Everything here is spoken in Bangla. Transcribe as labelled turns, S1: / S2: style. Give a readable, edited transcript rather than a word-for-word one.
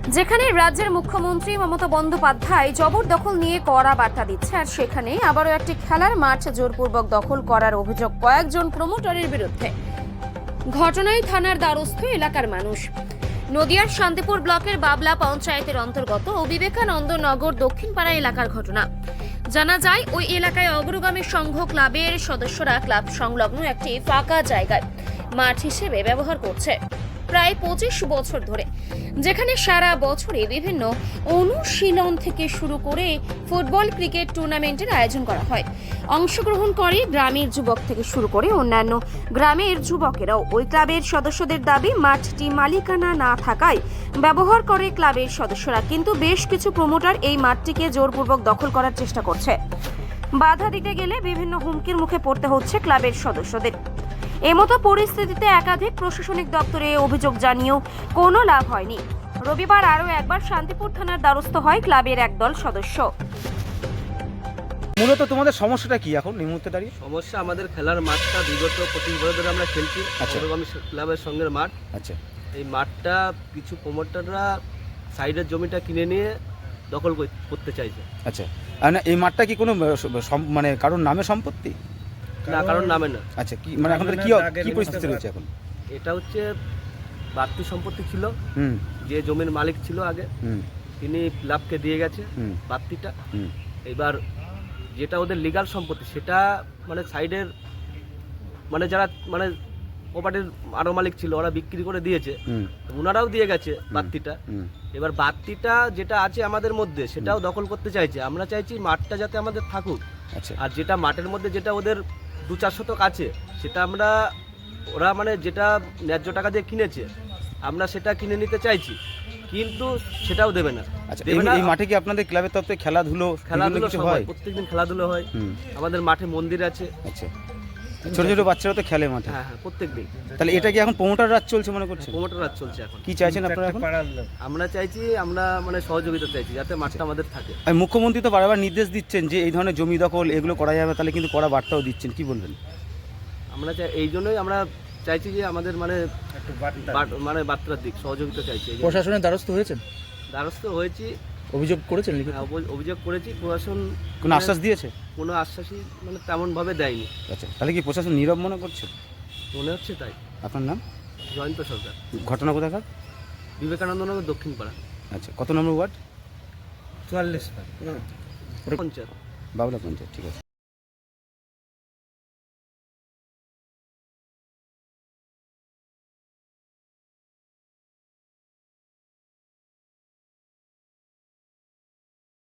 S1: যেখানে রাজ্যের মুখ্যমন্ত্রী মমতা বন্দ্যোপাধ্যায় জবরদখল নিয়ে কড়া বার্তা দিচ্ছে, আর সেখানে আবারও একটি খেলার মাঠ জোরপূর্বক দখল করার অভিযোগ কয়েকজন প্রমোটারের বিরুদ্ধে। ঘটনায় থানার দ্বারস্থ এলাকার মানুষ। নদিয়ার শান্তিপুর ব্লকের বাবলা পঞ্চায়েতের অন্তর্গত বিবেকানন্দ নগর দক্ষিণপাড়া এলাকার ঘটনা। জানা যায়, ওই এলাকায় অগ্রগামী সংঘ ক্লাবের সদস্যরা ক্লাব সংলগ্ন একটি ফাঁকা জায়গায় মাঠ হিসেবে ব্যবহার করছে প্রায় 25 বছর ধরে, যেখানে সারা বছরে বিভিন্ন অনুশীলন থেকে শুরু করে ফুটবল, ক্রিকেট টুর্নামেন্টের আয়োজন করা হয়। অংশগ্রহণ করে গ্রামের যুবক থেকে শুরু করে অন্যান্য গ্রামের যুবকেরাও। ওই ক্লাবের সদস্যদের দাবি, মাঠটি মালিকানা না থাকায় ব্যবহার করে ক্লাবের সদস্যরা, কিন্তু বেশ কিছু প্রমোটার এই মাঠটিকে জোরপূর্বক দখল করার চেষ্টা করছে। বাধা দিতে গেলে বিভিন্ন হুমকির মুখে পড়তে হচ্ছে ক্লাবের সদস্যদের। এমতো পরিস্থিতিতে একাধিক প্রশাসনিক দপ্তরে অভিযোগ জানিয়েও কোনো লাভ হয়নি। রবিবার আরও একবার শান্তিপুর থানার দ্বারস্থ হয় ক্লাবের একদল সদস্য।
S2: মূলত তোমাদের সমস্যাটা কি এখন এই মুহূর্তে দাঁড়িয়ে?
S3: সমস্যা, আমাদের খেলার মাঠটা বিগত 25 বছর ধরে আমরা খেলছি। অগ্রগামী ক্লাবের সঙ্গে মাঠ।
S2: আচ্ছা,
S3: এই মাঠটা কিছু প্রমোটাররা সাইডের জমিটা কিনে নিয়ে দখল করতে চাইছে।
S2: আচ্ছা, আর না এই মাঠটা কি কোনো মানে কারোর নামে সম্পত্তি?
S3: না, কারণ নামে না।
S2: আচ্ছা, কি মানে এখন কি কি পরিস্থিতি রয়েছে এখন?
S3: এটা হচ্ছে বাড়তি সম্পত্তি ছিল।
S2: হুম
S3: যে জমির মালিক ছিল আগে,
S2: হুম
S3: তিনি ক্লাবকে দিয়ে গেছে
S2: হুম
S3: বাড়তিটা।
S2: হুম
S3: এবার যেটা ওদের লিগাল সম্পত্তি, সেটা মানে সাইডের মানে যারা মানে প্রপার্টির আরো মালিক ছিল, ওরা বিক্রি করে দিয়েছে।
S2: হুম
S3: ওনারাও দিয়ে গেছে বাড়তিটা।
S2: হুম
S3: এবার বাড়তিটা যেটা আছে আমাদের মধ্যে, সেটাও দখল করতে চাইছে। আমরা চাইছি মাঠটা যাতে আমাদের থাকুক।
S2: আচ্ছা,
S3: আর যেটা মাঠের মধ্যে যেটা ওদের 2-4 শতক আছে, সেটা আমরা ওরা মানে যেটা ন্যায্য টাকা দিয়ে কিনেছে, আমরা সেটা কিনে নিতে চাইছি, কিন্তু সেটাও দেবে না।
S2: আচ্ছা,
S3: দেবে না।
S2: এই মাঠে কি আপনাদের ক্লাবের তরফ থেকে খেলাধুলো কিছু
S3: সব
S2: হয়?
S3: হয়, প্রত্যেকদিন খেলাধুলো হয়।
S2: হুম
S3: আমাদের মাঠে মন্দির আছে।
S2: আচ্ছা, ছোট ছোট বাচ্চারা তো খেলে মাঠে।
S3: হ্যাঁ হ্যাঁ, প্রত্যেকদিন।
S2: তাহলে এটা কি এখন প্রমোটার রাজ চলছে মনে করছেন?
S3: প্রমোটার রাজ চলছে এখন।
S2: কি চাইছেন আপনারা এখন?
S3: আমরা চাইছি, আমরা মানে সহযোগিতা চাইছি যাতে মাঠটা আমাদের থাকে।
S2: আর মুখ্যমন্ত্রী তো বারবার নির্দেশ দিচ্ছেন যে এই ধরনের জমি দখল এগুলো করা যাবে, তাহলে কিন্তু কড়া বার্তাও দিচ্ছেন, কি বলবেন?
S3: আমরা এই জন্যই আমরা চাইছি যে আমাদের মানে মানে বার্তার দিক সহযোগিতা চাইছি।
S4: প্রশাসনের দ্বারস্থ হয়েছেন?
S3: দ্বারস্থ হয়েছি।
S4: অভিযোগ করেছেন?
S3: হ্যাঁ, অভিযোগ করেছি। প্রশাসন
S2: কোনো আশ্বাস দিয়েছে?
S3: কোনো আশ্বাসই মানে তেমনভাবে দেয়নি।
S2: আচ্ছা, তাহলে কি প্রশাসন নীরব মনে করছে?
S3: মনে হচ্ছে তাই।
S2: আপনার নাম?
S3: জয়ন্ত সরকার,
S2: ঘটনা কোথাকার?
S3: বিবেকানন্দ নগর দক্ষিণপাড়া।
S2: আচ্ছা, কত নম্বর ওয়ার্ড?
S3: 44 পঞ্চায়েত।
S2: বাবলা পঞ্চায়েত, ঠিক আছে।